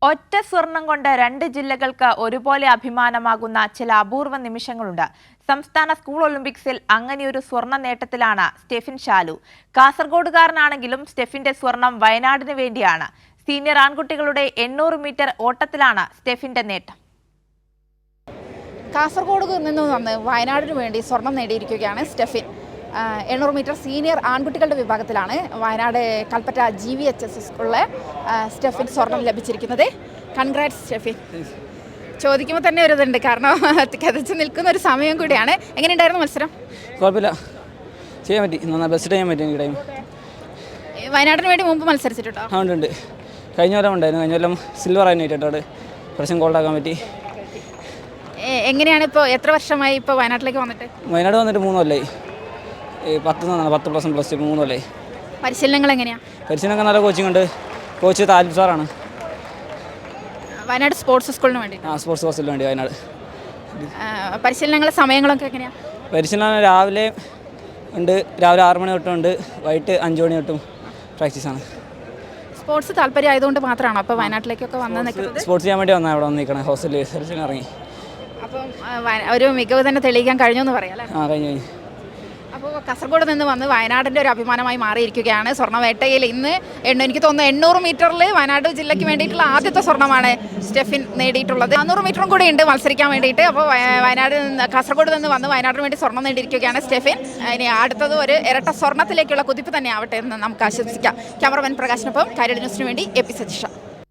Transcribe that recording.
ഒറ്റ സ്വർണം കൊണ്ട് രണ്ട് ജില്ലകൾക്ക് ഒരുപോലെ അഭിമാനമാകുന്ന ചില അപൂർവ നിമിഷങ്ങളുണ്ട്. സംസ്ഥാന സ്കൂൾ ഒളിമ്പിക്സിൽ അങ്ങനെയൊരു സ്വർണ്ണ നേട്ടത്തിലാണ് സ്റ്റെഫിൻ ഷാലു. കാസർഗോഡുകാരനാണെങ്കിലും സ്റ്റെഫിന്റെ സ്വർണം വയനാടിന് വേണ്ടിയാണ്. സീനിയർ ആൺകുട്ടികളുടെ 800 മീറ്റർ ഓട്ടത്തിലാണ് സ്റ്റെഫിന്റെ നേട്ടം. കാസർഗോഡ് നിന്ന് വന്ന് വയനാടിന് വേണ്ടി സ്വർണം നേടിയിരിക്കുകയാണ് സ്റ്റെഫിൻ. 800 മീറ്റർ സീനിയർ ആൺകുട്ടികളുടെ വിഭാഗത്തിലാണ് വയനാട് കൽപ്പറ്റ GVHS സ്കൂളിലെ സ്റ്റെഫിൻ സ്വർണം ലഭിച്ചിരിക്കുന്നത്. കൺഗ്രാറ്റ്സ് സ്റ്റെഫിൻ. ചോദിക്കുമ്പോൾ തന്നെ ഒരു ഇതുണ്ട്, കാരണം കഥച്ച് നിൽക്കുന്ന ഒരു സമയം കൂടിയാണ്. എങ്ങനെയുണ്ടായിരുന്നു മത്സരം? കുഴപ്പമില്ല, ചെയ്യാൻ പറ്റി, നന്നായി ബെസ്റ്റ് ചെയ്യാൻ പറ്റി. എനിക്ക് ടൈം വയനാടിന് വേണ്ടി മുമ്പ് മത്സരിച്ചിട്ടുണ്ടോ? ഉണ്ട്, കഴിഞ്ഞ കൊല്ലം ഉണ്ടായിരുന്നു. കഴിഞ്ഞ കൊല്ലം സിൽവർ ആയിരുന്നു കേട്ടോ, പ്രശ്നം ഗോൾഡാക്കാൻ പറ്റി. എങ്ങനെയാണ് ഇപ്പോൾ, എത്ര വർഷമായി ഇപ്പോൾ വയനാട്ടിലേക്ക് വന്നിട്ട്? വയനാട് വന്നിട്ട് 3 കൊല്ലമായി. 10+1+2 3 കൊല്ലമായി. പരിശീലനങ്ങൾ എങ്ങനെയാണ്? പരിശീലനമൊക്കെ നല്ല കോച്ചിങ് ഉണ്ട്. കോച്ച് താലിബ് സാറാണ്. വയനാട് സ്പോർട്സ് സ്കൂളിന് വേണ്ടി? സ്പോർട്സ് കോഴ്സിന് വേണ്ടി വയനാട്. പരിശീലനങ്ങളുടെ സമയങ്ങളൊക്കെ എങ്ങനെയാണ്? പരിശീലനം രാവിലെ ഉണ്ട്, രാവിലെ 6 മണി തൊട്ടുണ്ട്, വൈകിട്ട് 5 മണി തൊട്ടും പ്രാക്ടീസാണ്. സ്പോർട്സ് താല്പര്യം ആയതുകൊണ്ട് മാത്രമാണോ അപ്പോൾ വയനാട്ടിലേക്കൊക്കെ വന്ന് നിൽക്കുന്നത്? സ്പോർട്സ് ചെയ്യാൻ വേണ്ടി വന്നാൽ അവിടെ വന്ന് നിൽക്കണം. ഹോസ്റ്റലിൽ സെലക്ഷൻ ഇറങ്ങി. അപ്പം ഒരു മികവ് തന്നെ തെളിയിക്കാൻ കഴിഞ്ഞു എന്ന് പറയാം അല്ലേ? കഴിഞ്ഞു. അപ്പോൾ കാസർഗോഡ് നിന്ന് വന്ന് വയനാടിൻ്റെ ഒരു അഭിമാനമായി മാറിയിരിക്കുകയാണ്. സ്വർണ്ണവേട്ടയിൽ ഇന്ന് എനിക്ക് തോന്നുന്നു 800 മീറ്ററിൽ വയനാട് ജില്ലയ്ക്ക് വേണ്ടിയിട്ടുള്ള ആദ്യത്തെ സ്വർണ്ണമാണ് സ്റ്റെഫിൻ നേടിയിട്ടുള്ളത്. 400 മീറ്ററും കൂടി ഉണ്ട് മത്സരിക്കാൻ വേണ്ടിയിട്ട്. അപ്പോൾ കാസർഗോഡ് നിന്ന് വന്ന് വയനാടിന് വേണ്ടി സ്വർണ്ണം നേടിയിരിക്കുകയാണ് സ്റ്റെഫിൻ. ഇനി അടുത്തത് ഒരു ഇരട്ട സ്വർണ്ണത്തിലേക്കുള്ള കുതിപ്പ് തന്നെ ആവട്ടെ എന്ന് നമുക്ക് ആശംസിക്കാം. ക്യാമറമാൻ പ്രകാശിനൊപ്പം കൈരളി ന്യൂസിന് വേണ്ടി എ പി സതീഷ.